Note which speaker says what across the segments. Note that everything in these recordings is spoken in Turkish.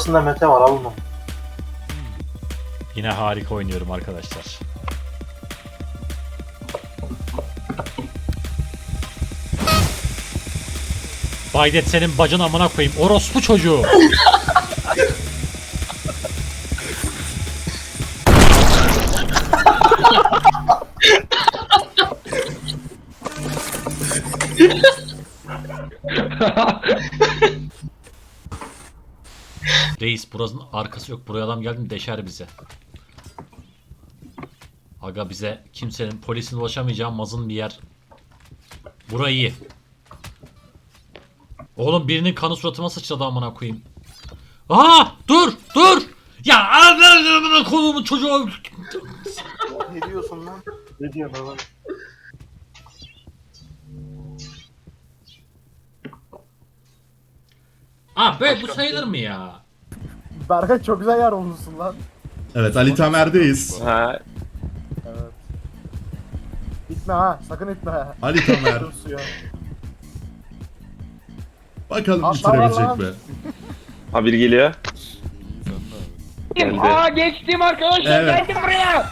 Speaker 1: Kapısında Mete var, alın onu.
Speaker 2: Yine harika oynuyorum arkadaşlar. Baydet senin bacın amına koyayım. Orospu çocuğu. Reis burasının arkası yok. Buraya adam geldi mi deşer bize. Aga bize kimsenin polisin ulaşamayacağı mazın bir yer. Burayı iyi. Oğlum birinin kanı suratıma sıçradı amına koyayım. Aa dur dur. Ya amına kolumun çocuğu.
Speaker 1: Ne diyorsun lan? Ne diyorsun lan?
Speaker 2: Aa be bu sayılır mı ya?
Speaker 3: Berkay çok güzel yer olmuşsun lan.
Speaker 4: Evet, Ali Tamer'deyiz.
Speaker 5: Ha,
Speaker 3: Evet. İtme ha, sakın itme ha.
Speaker 4: Ali Tamer.
Speaker 3: Dur suya.
Speaker 4: Bakalım
Speaker 3: Atla
Speaker 4: bitirebilecek
Speaker 3: lan.
Speaker 4: mi?
Speaker 5: ha biri geliyor. Geldi.
Speaker 6: Aa geçtim arkadaşlar,
Speaker 4: Evet.
Speaker 6: geldim buraya.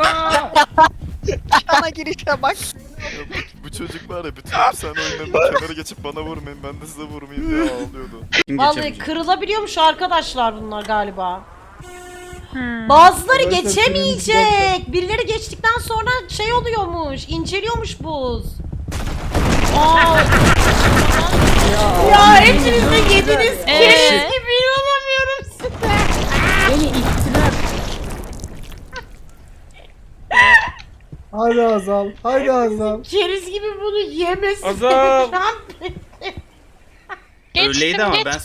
Speaker 7: Ana girişe bak.
Speaker 8: Bu çocuk var ya bütün hapishane oyunlarında kenara geçip bana vurmayın ben de size vurmayayım diye ağlıyordu.
Speaker 9: Vallahi kırılabiliyormuş arkadaşlar bunlar galiba. Bazıları geçemeyecek. Birileri geçtikten sonra şey oluyormuş, inceliyormuş buz. Aa. Ya hepiniz de yediniz keriz gibi inanamıyorum size.
Speaker 6: Beni ittiler.
Speaker 3: Hadi Azal, hadi Azal.
Speaker 9: Keriz gibi bunu yemesi.
Speaker 5: Azam.
Speaker 7: Öyleydi ama ben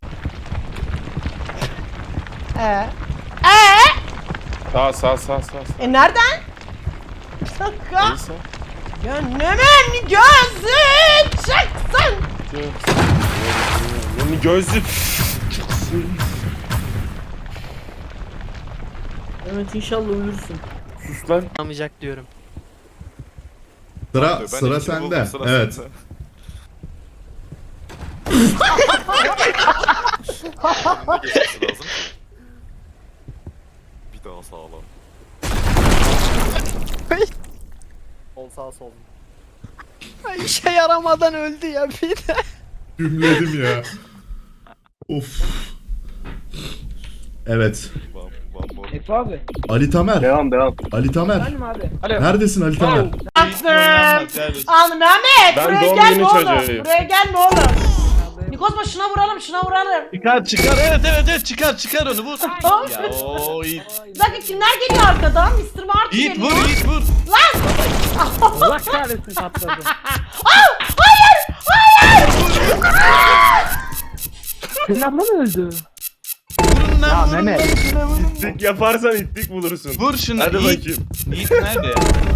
Speaker 5: Sağ.
Speaker 9: Nereden? Bir dakika.
Speaker 8: Neyse.
Speaker 9: Gönlümün gözü çıksın.
Speaker 5: Yani gözlük.
Speaker 6: Evet inşallah ölürsün.
Speaker 5: Sus lan.
Speaker 7: anlamayacak diyorum.
Speaker 4: Sıra
Speaker 8: Ben
Speaker 4: sıra
Speaker 8: ikini
Speaker 4: sende.
Speaker 8: buldum, sıra
Speaker 4: Evet.
Speaker 8: sende. Önüne geçmesi lazım ki. Bir daha sağlam.
Speaker 3: Sol sağ sol.
Speaker 7: Ay, işe yaramadan öldü ya bir de.
Speaker 4: Gümledim ya. Of. Evet.
Speaker 8: One more.
Speaker 6: Efe abi.
Speaker 4: Ali Tamer.
Speaker 5: Devam.
Speaker 4: Ali Tamer.
Speaker 6: Benim abi.
Speaker 4: Neredesin Ali Tamer?
Speaker 9: Al Mehmet,
Speaker 5: Ben
Speaker 9: buraya
Speaker 5: doğum
Speaker 9: gel
Speaker 5: günü
Speaker 9: ne olur.
Speaker 5: çocuğuyum.
Speaker 9: Buraya gel ne olur. Nikosma şuna vuralım, şuna vuralım.
Speaker 10: Çıkar evet çıkar onu vur. Ya o Yiğit.
Speaker 9: Bir dakika kimler geliyor arkadan? Mr. Martin
Speaker 10: Yiğit
Speaker 9: geliyor.
Speaker 10: vur Yiğit vur.
Speaker 6: Allah kahretsin patladı. Senin abla mı öldü?
Speaker 10: Vurun lan vurun.
Speaker 6: Mehmet.
Speaker 5: İttik yaparsan ittik bulursun.
Speaker 10: Vur şunu
Speaker 5: Hadi
Speaker 10: Yiğit.
Speaker 5: bakayım.
Speaker 10: Yiğit nerede?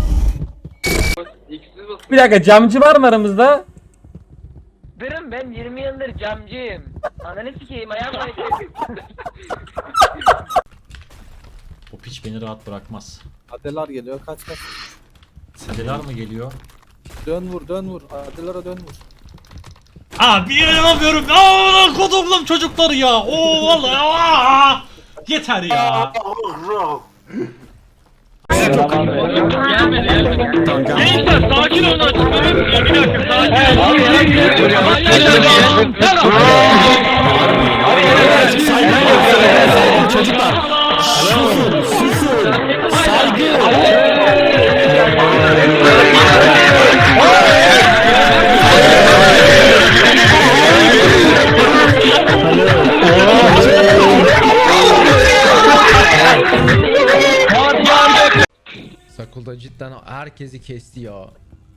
Speaker 6: Bir dakika camcı var mı aramızda? Ben 20 yıldır camcıyım. Ananı sikeyim ayağımla.
Speaker 2: O piç beni rahat bırakmaz.
Speaker 3: Adelar geliyor, kaç.
Speaker 2: Sedeler mi geliyor?
Speaker 3: Dön vur. Adelara dön vur.
Speaker 2: Abi inanamıyorum. Aa kodumlum çocukları ya. Oo vallahi. Aa! Yeter ya.
Speaker 6: Gençler sakin olun. Bir dakika.
Speaker 4: Çocuklar.
Speaker 11: Sakulda cidden herkesi kesti ya.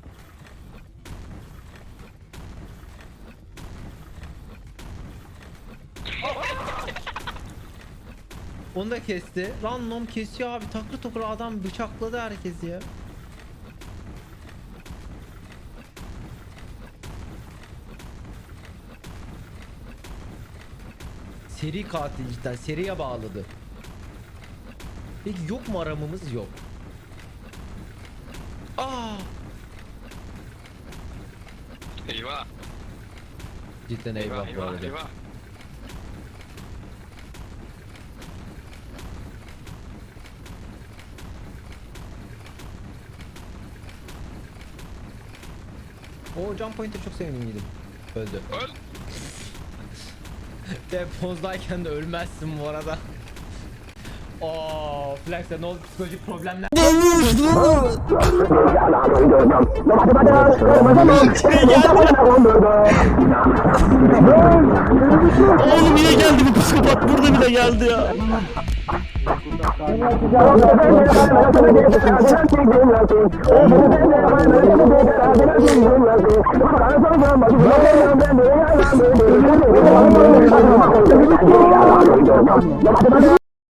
Speaker 11: Onu da kesti. Random kesiyor abi. Takır takır adam bıçakladı herkesi ya. Seri katil cidden. Seriye bağladı. Peki yok mu aramamız? Yok. Aa!
Speaker 8: Eyvah.
Speaker 11: Cidden eyvah bu arada. O jump point'e çok sevindim. Öldü. Depozdayken de ölmezsin bu arada. Ooo Flex'e ne oldu, psikolojik problemler.
Speaker 10: Oğlum niye geldi bu psikopat? Burada bile geldi ya.